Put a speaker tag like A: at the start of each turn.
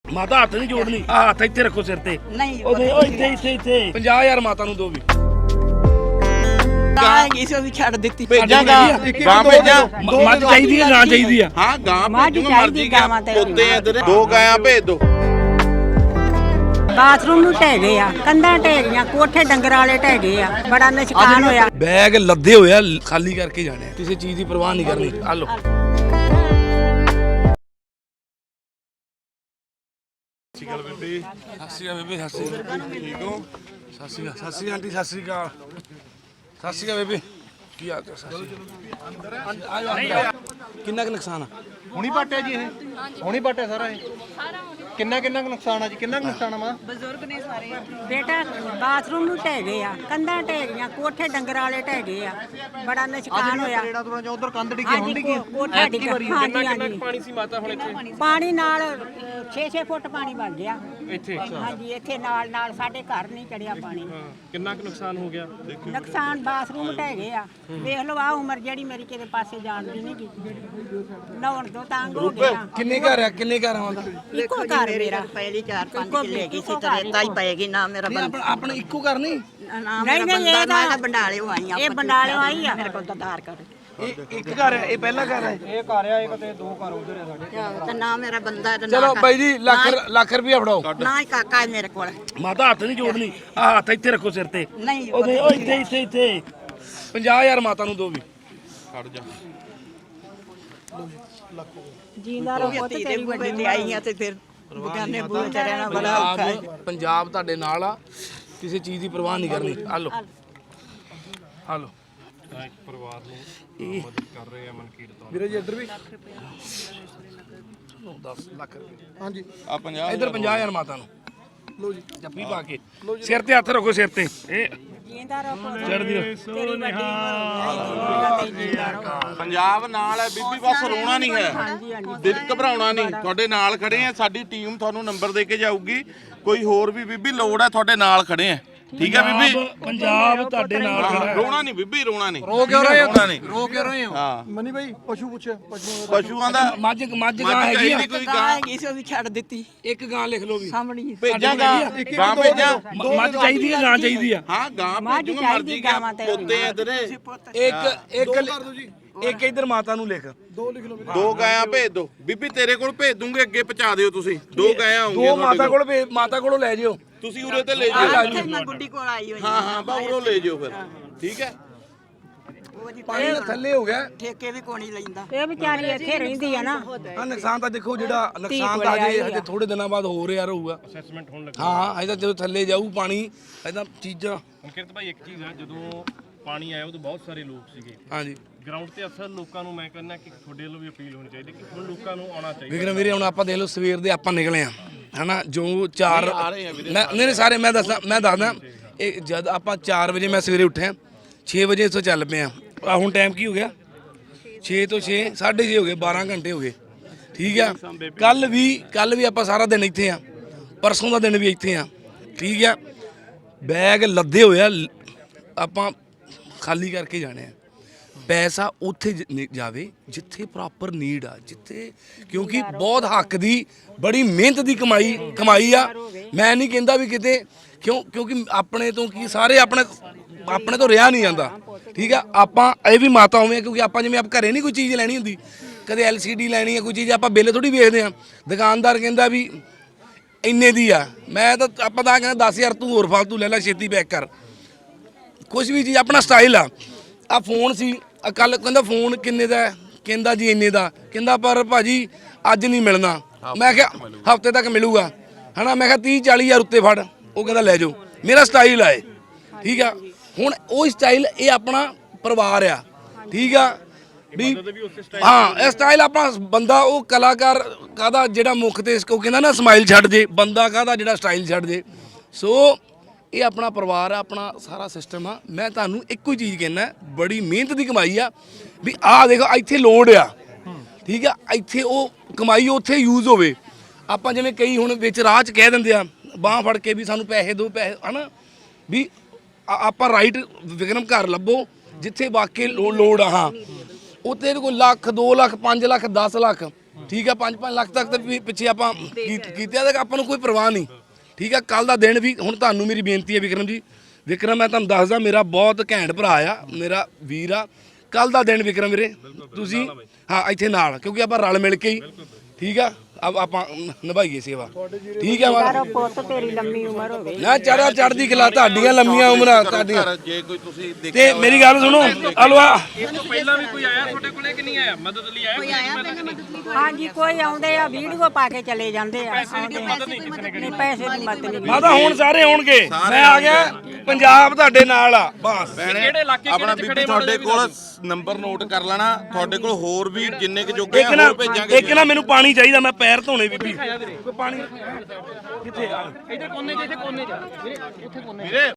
A: ਮਾਤਾ ਹੱਥ ਨਹੀਂ ਜੋੜਨੀ, ਆ ਹੱਥ ਇੱਥੇ ਰੱਖੋ ਸਿਰ ਤੇ।
B: ਨਹੀਂ
A: ਉਹ ਇੱਥੇ 50000 ਮਾਤਾ ਨੂੰ ਦੋ ਵੀ।
B: ਗਾਂ ਕਿਸੇ ਵੀ ਛੱਡ ਦਿੱਤੀ।
C: ਭੇਜਾਂਗਾ ਗਾਂ ਭੇਜਾਂ।
A: ਮੱਝ ਚਾਹੀਦੀ ਹੈ, ਗਾਂ ਚਾਹੀਦੀ ਆ?
C: ਹਾਂ ਗਾਂ
B: ਮੱਝ
C: ਭੇਜੂਗਾ,
B: ਚਾਹੀਦੀ,
C: ਮਰਜ਼ੀ
B: ਗਾਵਾਂ ਤੇ
C: ਪੁੱਤੇ ਇਧਰ ਦੋ ਗਾਂ ਭੇਜ ਦੋ।
B: ਬਾਥਰੂਮ ਨੂੰ ਢਹਿ ਗਏ ਆ, ਕੰਧਾਂ ਢਹਿ ਗਈਆਂ, ਕੋਠੇ ਡੰਗਰ ਵਾਲੇ ਢਹਿ ਗਏ ਆ, ਬੜਾ ਨੁਕਸਾਨ ਹੋਇਆ।
A: ਬੈਗ ਲੱਦੇ ਹੋਏ ਆ, ਖਾਲੀ ਕਰਕੇ ਜਾਣੇ ਆ, ਕਿਸੇ ਚੀਜ਼ ਦੀ ਪਰਵਾਹ ਨਹੀਂ ਕਰਨੀ। ਆ ਲੋ ਸਤਿ ਸ਼੍ਰੀ ਅਕਾਲ ਬੇਬੇ। ਸਤਿ ਸ਼੍ਰੀ ਅਕਾਲ ਬੇਬੇ। ਸਤਿ ਸ਼੍ਰੀ ਅਕਾਲ, ਠੀਕ ਹੋ? ਸਤਿ ਸ਼੍ਰੀ ਅਕਾਲ, ਸਤਿ ਸ਼੍ਰੀ ਅਕਾਲ ਆਂਟੀ, ਸਤਿ ਸ਼੍ਰੀ ਅਕਾਲ। ਸਤਿ ਸ਼੍ਰੀ ਅਕਾਲ ਬੇਬੇ, ਕੀ ਹਾਲ ਚਾਲ? ਕਿੰਨਾ ਕੁ ਨੁਕਸਾਨ ਆ?
D: ਹੁਣੀ ਪਾਟਿਆ ਜੀ ਇਹ? ਹੁਣੀ ਪਾਟਿਆ ਸਾਰਾ ਇਹ? ਕਿੰਨਾ ਕੁ ਨੁਕਸਾਨ ਆ ਜੀ? ਕਿੰਨਾ ਕੁ ਨੁਕਸਾਨ ਆ ਮਾਂ?
B: ਬਜ਼ੁਰਗ ਨੇ ਸਾਰੇ ਬੇਟਾ, ਬਾਥਰੂਮ ਨੂੰ ਢਹਿ ਗਏ ਆ, ਕੰਧਾਂ ਢਹਿ ਗਈਆਂ, ਕੋਠੇ ਡੰਗਰ ਵਾਲੇ ਢਹਿ ਗਏ ਆ, ਬੜਾ ਨੁਕਸਾਨ ਹੋਇਆ।
D: ਜਿਹੜਾ ਤੁਰਾਂ ਜਾਂ ਉਧਰ ਕੰਧ ਡਿੱਗੀ ਹੁਣ ਡਿੱਗੀ।
B: ਕੋਠਾ ਡਿੱਗਾ। ਕਿੰਨਾ ਪਾਣੀ ਸੀ ਮਾਤਾ ਹੁਣ ਇੱਥੇ? ਪਾਣੀ ਨਾਲ 6-6 ਫੁੱਟ ਪਾਣੀ ਵੱਗ ਗਿਆ ਇੱਥੇ। ਹਾਂਜੀ, ਇੱਥੇ ਨਾਲ ਸਾਡੇ ਘਰ ਨਹੀਂ ਚੜਿਆ ਪਾਣੀ।
E: ਕਿੰਨਾ ਕੁ ਨੁਕਸਾਨ ਹੋ ਗਿਆ?
B: ਨੁਕਸਾਨ ਬਾਥਰੂਮ ਢਹਿ ਗਏ ਆ। ਵੇਖ ਲਓ, ਆ ਉਮਰ ਜਿਹੜੀ ਮੇਰੀ ਕਿਤੇ ਪਾਸੇ ਜਾਣਦੀ ਨਹੀਂ ਗੀ, ਨਹਾਉਣ ਤੋਂ ਤੰਗ ਹੋ ਗਏ ਆ।
A: ਕਿੰਨੇ ਘਰ ਆ? ਕਿੰਨੇ ਘਰ ਆਉਂਦਾ?
B: ਇੱਕੋ ਘਰ ਮੇਰਾ ਪਹਿਲੀ 4-5 ਕਿੱਲੇ ਗਈ ਸੀ ਤੇ ਰੇਤਾ ਹੀ ਪਏਗੀ ਨਾ ਮੇਰਾ
A: ਆਪਣਾ ਇੱਕੋ ਘਰ ਨਹੀਂ?
B: ਨਹੀਂ ਇਹ ਤਾਂ ਬੰਡਾਲਿਓ ਆਈ ਆ। ਇਹ ਬੰਡਾਲਿਓ ਆਈ ਆ। ਮੇਰੇ ਕੋਲ ਤਾਂ ਆਧਾਰ ਕਾਰਡ।
A: ਇੱਕ ਘਰ ਹੈ, ਇਹ ਪਹਿਲਾ ਘਰ ਹੈ?
D: ਇਹ ਘਰ ਆ, ਇੱਕ ਤੇ ਦੋ ਘਰ ਉਧਰ ਆ ਸਾਡੇ।
B: ਤੇ ਨਾ ਮੇਰਾ ਬੰਦਾ ਤੇ
A: ਚਲੋ ਬਾਈ ਜੀ, ਲੱਖ ਰੁਪਇਆ ਫੜਾਓ।
B: ਨਾ ਹੀ ਕਾਕਾ ਹੈ ਮੇਰੇ ਕੋਲ।
A: ਮਾਤਾ ਹੱਥ ਨਹੀਂ ਜੋੜਨੀ, ਆ ਹੱਥ ਇੱਥੇ ਰੱਖੋ ਸਿਰ ਤੇ।
B: ਨਹੀਂ
A: ਉਹ ਇੱਥੇ 50000 ਮਾਤਾ ਨੂੰ ਦੋ ਵੀ।
C: ਖੜ ਜਾ।
B: ਜੀਂਦਾ ਰਹੋ ਤੇ ਤੇਰੀ ਵੱਡੀ ਤੇ ਆਈ ਆ ਤੇ ਫਿਰ ਬਗਾਨੇ ਬੂਹੇ ਤੇ ਰਹਿਣਾ ਬੜਾ ਔਖਾ ਹੈ।
A: ਪੰਜਾਬ ਤੁਹਾਡੇ ਨਾਲ ਆ, ਕਿਸੇ ਚੀਜ਼ ਦੀ ਪਰਵਾਹ ਨਹੀਂ ਕਰਨੀ। ਆ ਲੋ ਆ ਲੋ
E: ਇੱਕ ਪਰਿਵਾਰ ਨੂੰ ਮਦਦ ਕਰ ਰਹੇ ਆ ਮਨਕੀਰਤ ਤੋਂ।
A: ਵੀਰੇ ਜੀ ਇੱਧਰ ਵੀ 10 ਲੱਖ ਰੁਪਏ।
D: ਹਾਂਜੀ
C: ਆ 50
A: ਇੱਧਰ 50000 ਮਾਤਾ ਨੂੰ ਲੋ ਜੀ। ਜੱਫੀ ਪਾ ਕੇ ਸਿਰ ਤੇ ਹੱਥ ਰੱਖੋ, ਸਿਰ ਤੇ। ਇਹ
B: ਜੀਂਦਾ ਰਹੋ
A: ਚੜ੍ਹਦੀ ਰਹੋ।
B: ਤੇਰੀ ਵੱਡੀ ਉਮਰ ਜੀਂਦਾ ਰਹੋ।
C: ਪੰਜਾਬ ਨਾਲ ਹੈ ਬੀਬੀ, ਬਸ ਰੋਣਾ ਨਹੀਂ ਹੈ, ਦਿਲ ਘਬਰਾਉਣਾ ਨਹੀਂ। ਤੁਹਾਡੇ ਨਾਲ ਖੜੇ ਆ, ਸਾਡੀ ਟੀਮ ਤੁਹਾਨੂੰ ਨੰਬਰ ਦੇ ਕੇ ਜਾਊਗੀ। ਕੋਈ ਹੋਰ ਵੀ ਬੀਬੀ ਲੋੜ ਹੈ, ਤੁਹਾਡੇ ਨਾਲ ਖੜੇ ਆ। ਠੀਕ ਹੈ ਬੀਬੀ?
A: ਪੰਜਾਬ ਤੁਹਾਡੇ ਨਾਲ ਖੜਾ ਹੈ।
C: ਰੋਣਾ ਨਹੀਂ ਬੀਬੀ, ਰੋਣਾ ਨਹੀਂ।
D: ਰੋ ਕਿਉਂ ਰਹੇ ਹੋ?
C: ਨਹੀਂ।
D: ਰੋ ਕਿਉਂ ਰਹੇ ਹੋ?
C: ਹਾਂ
D: ਮਨੀ ਭਾਈ ਪਸ਼ੂ ਪੁੱਛਿਆ,
C: ਪਸ਼ੂਆਂ ਦਾ
A: ਮੱਝ ਗਾਂ ਹੈਗੀ ਆ?
C: ਚਾਹੀਦੀ ਕੋਈ
B: ਗਾਂ
C: ਗਾਂ
B: ਹੈਗੀ ਸੀ, ਉਹ ਵੀ ਛੱਡ ਦਿੱਤੀ।
A: ਇੱਕ ਗਾਂ ਲਿਖ ਲਓ ਵੀ।
B: ਸਾਹਮਣੀ
C: ਭੇਜਾਂਗਾ ਗਾਂ ਭੇਜਾਂ।
A: ਮੱਝ ਚਾਹੀਦੀ ਹੈ, ਗਾਂ ਚਾਹੀਦੀ ਆ?
C: ਹਾਂ ਗਾਂ
B: ਮੱਝ
C: ਭੇਜੂਗਾ,
B: ਚਾਹੀਦੀ,
C: ਮਰਜ਼ੀ
B: ਗਾਵਾਂ ਤੇ
C: ਪੁੱਤੇ ਇਧਰ
A: ਇੱਕ ਇੱਧਰ ਮਾਤਾ ਨੂੰ ਲਿਖ।
C: ਦੋ ਗਾਂ ਭੇਜ ਦੋ ਬੀਬੀ, ਤੇਰੇ ਕੋਲ ਭੇਜ ਦੂੰਗੇ, ਅੱਗੇ ਪਹੁੰਚਾ ਦਿਓ ਤੁਸੀਂ। ਦੋ ਗਾਂ ਆਉਂਗੇ
A: ਦੋ ਮਾਤਾ ਕੋਲੋਂ ਲੈ ਜਿਓ।
C: ਤੁਸੀਂ ਉਰੇ ਤੇ ਲੈ ਜਿਓ।
B: ਇੱਥੇ ਮੈਂ ਗੁੱਡੀ ਕੋਲ ਆਈ ਹੋਈ
C: ਹਾਂ ਹਾਂ ਬਾਹਰੋਂ ਲੈ ਜਿਓ ਫਿਰ। ਠੀਕ ਹੈ?
A: ਪਾਣੀ ਦਾ ਥੱਲੇ ਹੋ ਗਿਆ।
B: ਠੇਕੇ ਵੀ ਕੋਣੀ ਲੈਂਦਾ। ਇਹ ਵਿਚਾਰੀ ਇੱਥੇ ਰਹਿੰਦੀ ਆ ਨਾ।
A: ਆ ਨੁਕਸਾਨ ਤਾਂ ਦੇਖੋ, ਜਿਹੜਾ ਨੁਕਸਾਨ ਤਾਂ ਹਜੇ ਥੋੜੇ ਦਿਨਾਂ ਬਾਅਦ ਹੋ ਰਿਹਾ ਰਹੂਗਾ।
E: ਅਸੈਸਮੈਂਟ ਹੋਣ ਲੱਗਾ।
A: ਹਾਂ, ਅਜੇ ਤਾਂ ਜਦੋਂ ਥੱਲੇ ਜਾਊ ਪਾਣੀ, ਅਜੇ ਚੀਜ਼ਾਂ।
E: ਮਨਕੀਰਤ ਭਾਈ, ਇੱਕ ਚੀਜ਼ ਆ, ਜਦੋਂ ਪਾਣੀ ਆਇਆ ਉਦੋਂ ਬਹੁਤ ਸਾਰੇ ਲੋਕ ਸੀਗੇ
A: ਹਾਂਜੀ
E: ਗਰਾਊਂਡ ਤੇ। ਅਸਲ ਲੋਕਾਂ ਨੂੰ ਮੈਂ ਕਹਿੰਦਾ ਕਿ ਤੁਹਾਡੇ ਵੱਲੋਂ ਵੀ ਅਪੀਲ ਹੋਣੀ ਚਾਹੀਦੀ ਕਿ ਹੁਣ ਲੋਕਾਂ ਨੂੰ ਆਉਣਾ ਚਾਹੀਦਾ।
A: ਵਿਕਰਮ ਵੀਰੇ, ਹੁਣ ਆਪਾਂ ਦੇਖ ਲਓ, ਸਵੇਰ ਦੇ ਆਪਾਂ ਨਿਕਲੇ ਆ ਹਨਾ, ਜੋ 4 ਨਹੀਂ ਸਾਰੇ ਮੈਂ ਦੱਸਦਾ ਇਹ ਜਦ ਆਪਾਂ 4 ਵਜੇ ਮੈਂ ਸਵੇਰੇ ਉੱਠਿਆ, 6 ਵਜੇ ਇੱਥੋਂ ਚੱਲ ਪਏ ਆ। ਹੁਣ ਟਾਈਮ ਕੀ ਹੋ ਗਿਆ? 6 ਤੋਂ 6 6:30 ਹੋ ਗਏ, 12 ਘੰਟੇ ਹੋ ਗਏ। ਠੀਕ ਆ? ਕੱਲ ਵੀ ਆਪਾਂ ਸਾਰਾ ਦਿਨ ਇੱਥੇ ਆ, ਪਰਸੋਂ ਦਾ ਦਿਨ ਵੀ ਇੱਥੇ ਆ। ਠੀਕ ਆ? ਬੈਗ ਲੱਦੇ ਹੋਏ ਆ, ਆਪਾਂ ਖਾਲੀ ਕਰਕੇ ਜਾਣੇ ਆ। ਪੈਸਾ ਉੱਥੇ ਜਾਵੇ ਜਿੱਥੇ ਪ੍ਰੋਪਰ ਨੀਡ ਆ, ਜਿੱਥੇ, ਕਿਉਂਕਿ ਬਹੁਤ ਹੱਕ ਦੀ ਬੜੀ ਮਿਹਨਤ ਦੀ ਕਮਾਈ ਆ। ਮੈਂ ਨਹੀਂ ਕਹਿੰਦਾ ਵੀ ਕਿਤੇ, ਕਿਉਂਕਿ ਆਪਣੇ ਤੋਂ ਕੀ ਸਾਰੇ ਆਪਣੇ ਤੋਂ ਰਿਹਾ ਨਹੀਂ ਜਾਂਦਾ। ਠੀਕ ਆ? ਆਪਾਂ ਇਹ ਵੀ ਮਾਤਾ ਹੋਵੇਂ, ਕਿਉਂਕਿ ਆਪਾਂ ਜਿਵੇਂ ਆਪ ਘਰੇ ਨਹੀਂ ਕੋਈ ਚੀਜ਼ ਲੈਣੀ ਹੁੰਦੀ, ਕਦੇ LCD ਲੈਣੀ ਹੈ, ਕੋਈ ਚੀਜ਼ ਆਪਾਂ ਬਿੱਲ ਥੋੜੀ ਵੇਖਦੇ ਆ। ਦੁਕਾਨਦਾਰ ਕਹਿੰਦਾ ਵੀ ਇੰਨੇ ਦੀ ਆ, ਮੈਂ ਤਾਂ ਆਪਾਂ ਤਾਂ ਕਹਿੰਦਾ 10,000 ਤੂੰ ਹੋਰ ਫਾਲਤੂ ਲੈ ਲੈ, ਛੇਤੀ ਪੈਕ ਕਰ। ਕੁਛ ਵੀ ਚੀਜ਼ ਆਪਣਾ ਸਟਾਈਲ ਆ। ਆ ਫੋਨ ਸੀ, ਕੱਲ ਕਹਿੰਦਾ ਫੋਨ ਕਿੰਨੇ ਦਾ? ਕਹਿੰਦਾ ਜੀ ਇੰਨੇ ਦਾ। ਕਹਿੰਦਾ ਪਰ ਭਾਜੀ ਅੱਜ ਨਹੀਂ ਮਿਲਣਾ। ਮੈਂ ਕਿਹਾ ਹਫਤੇ ਤੱਕ ਮਿਲੂਗਾ ਹਨਾ। ਮੈਂ ਕਿਹਾ 30-40 ਹਜ਼ਾਰ ਉੱਤੇ ਫੜ। ਉਹ ਕਹਿੰਦਾ ਲੈ ਜਾਓ, ਮੇਰਾ ਸਟਾਈਲ ਆ ਇਹ। ਠੀਕ ਆ? ਹੁਣ ਉਹ ਸਟਾਈਲ, ਇਹ ਆਪਣਾ ਪਰਿਵਾਰ ਆ। ਠੀਕ ਆ ਵੀ? ਹਾਂ, ਇਹ ਸਟਾਈਲ ਆਪਣਾ ਬੰਦਾ, ਉਹ ਕਲਾਕਾਰ ਕਾਹਦਾ ਜਿਹੜਾ ਮੁੱਖ ਤੇ ਉਹ ਕਹਿੰਦਾ ਨਾ ਸਮਾਈਲ ਛੱਡ ਜੇ, ਬੰਦਾ ਕਾਹਦਾ ਜਿਹੜਾ ਸਟਾਈਲ ਛੱਡ ਜੇ। ਸੋ ਇਹ ਆਪਣਾ ਪਰਿਵਾਰ ਆ, ਆਪਣਾ ਸਾਰਾ ਸਿਸਟਮ ਆ। ਮੈਂ ਤੁਹਾਨੂੰ ਇੱਕੋ ਹੀ ਚੀਜ਼ ਕਹਿਣਾ, ਬੜੀ ਮਿਹਨਤ ਦੀ ਕਮਾਈ ਆ। ਵੀ ਆਹ ਦੇਖੋ, ਇੱਥੇ ਲੋੜ ਆ। ਠੀਕ ਆ? ਇੱਥੇ ਉਹ ਕਮਾਈ ਉੱਥੇ ਯੂਜ਼ ਹੋਵੇ। ਆਪਾਂ ਜਿਵੇਂ ਕਈ ਹੁਣ ਵਿੱਚ ਰਾਹ 'ਚ ਕਹਿ ਦਿੰਦੇ ਆ, ਬਾਂਹ ਫੜ ਕੇ ਵੀ ਸਾਨੂੰ ਪੈਸੇ ਦਿਓ, ਪੈਸੇ ਹਨਾ। ਵੀ ਆਪਾਂ ਰਾਈਟ ਵਿਕਰਮ ਘਰ ਲੱਭੋ ਜਿੱਥੇ ਵਾਕਈ ਲੋੜ ਆ। ਹਾਂ, ਉੱਥੇ ਕੋਈ ਲੱਖ 2 ਲੱਖ 5 ਲੱਖ 10 ਲੱਖ ਠੀਕ ਆ 5-5 ਲੱਖ ਤੱਕ ਤੇ ਪਿੱਛੇ ਆਪਾਂ ਕੀਤੇ ਤੇ ਆਪਾਂ ਨੂੰ ਕੋਈ ਪਰਵਾਹ ਨਹੀਂ। ਠੀਕ ਆ ਕੱਲ ਦਾ ਦਿਨ ਵੀ ਹੁਣ ਤੁਹਾਨੂੰ ਮੇਰੀ ਬੇਨਤੀ ਹੈ ਵਿਕਰਮ ਜੀ, ਵਿਕਰਮ ਮੈਂ ਤੁਹਾਨੂੰ ਦੱਸਦਾ ਮੇਰਾ ਬਹੁਤ ਘੈਂਟ ਭਰਾ ਆ, ਮੇਰਾ ਵੀਰ ਆ। ਕੱਲ ਦਾ ਦਿਨ ਵਿਕਰਮ ਵੀਰੇ ਤੁਸੀਂ ਹਾਂ ਇੱਥੇ ਨਾਲ, ਕਿਉਂਕਿ ਆਪਾਂ ਰਲ ਮਿਲ ਕੇ ਹੀ ਠੀਕ ਆ ਆਪਾਂ ਨਿਭਾਈਏ ਸੇਵਾ। ਠੀਕ ਆ
B: ਯਾਰ ਪੁੱਤ ਤੇਰੀ ਲੰਮੀ ਉਮਰ ਹੋਵੇ।
A: ਨਾ ਚੜ੍ਹਦੀ ਕਲਾ, ਤੁਹਾਡੀਆਂ ਲੰਮੀਆਂ ਉਮਰਾਂ ਤੁਹਾਡੀਆਂ।
C: ਜੇ ਕੋਈ ਤੁਸੀਂ
A: ਤੇ ਮੇਰੀ ਗੱਲ ਸੁਣੋ ਅਲਵਾ,
E: ਇਸ ਤੋਂ ਪਹਿਲਾਂ ਵੀ ਕੋਈ ਆਇਆ ਤੁਹਾਡੇ ਕੋਲੇ ਕਿ ਨਹੀਂ ਆਇਆ ਮਦਦ ਲਈ ਆਇਆ ਕੋਈ
B: ਹਾਂਜੀ ਕੋਈ ਆਉਂਦੇ ਆ ਵੀਡੀਓ ਪਾ ਕੇ ਚਲੇ ਜਾਂਦੇ ਆ। ਨਹੀਂ ਪੈਸੇ ਦੀ ਮਦਦ ਨਹੀਂ।
A: ਮਾਤਾ ਹੁਣ ਸਾਰੇ ਆਉਣਗੇ, ਮੈਂ ਆ ਗਿਆ, ਪੰਜਾਬ ਤੁਹਾਡੇ ਨਾਲ ਆ ਬਸ।
E: ਕਿਹੜੇ ਇਲਾਕੇ
C: ਆਪਣਾ
E: ਕਿਹੜੇ
C: ਬੀਬੀ
E: ਖੜੇ
C: ਤੁਹਾਡੇ ਕੋਲ ਨੰਬਰ ਨੋਟ ਕਰ ਲੈਣਾ, ਤੁਹਾਡੇ ਕੋਲ ਹੋਰ ਵੀ ਜਿੰਨੇ ਕੁ ਜੋਗੇ ਆ ਹੋਰ ਭੇਜਾਂਗੇ।
A: ਇੱਕ ਨਾ ਮੈਨੂੰ ਪਾਣੀ ਚਾਹੀਦਾ, ਮੈਂ ਪੈਰ ਧੋਣੇ ਬੀਬੀ। ਕੋਈ ਪਾਣੀ ਕਿੱਥੇ ਆ?
E: ਇੱਧਰ ਕੋਨੇ 'ਚ ਇੱਥੇ ਕੋਨੇ 'ਚ
C: ਵੀਰੇ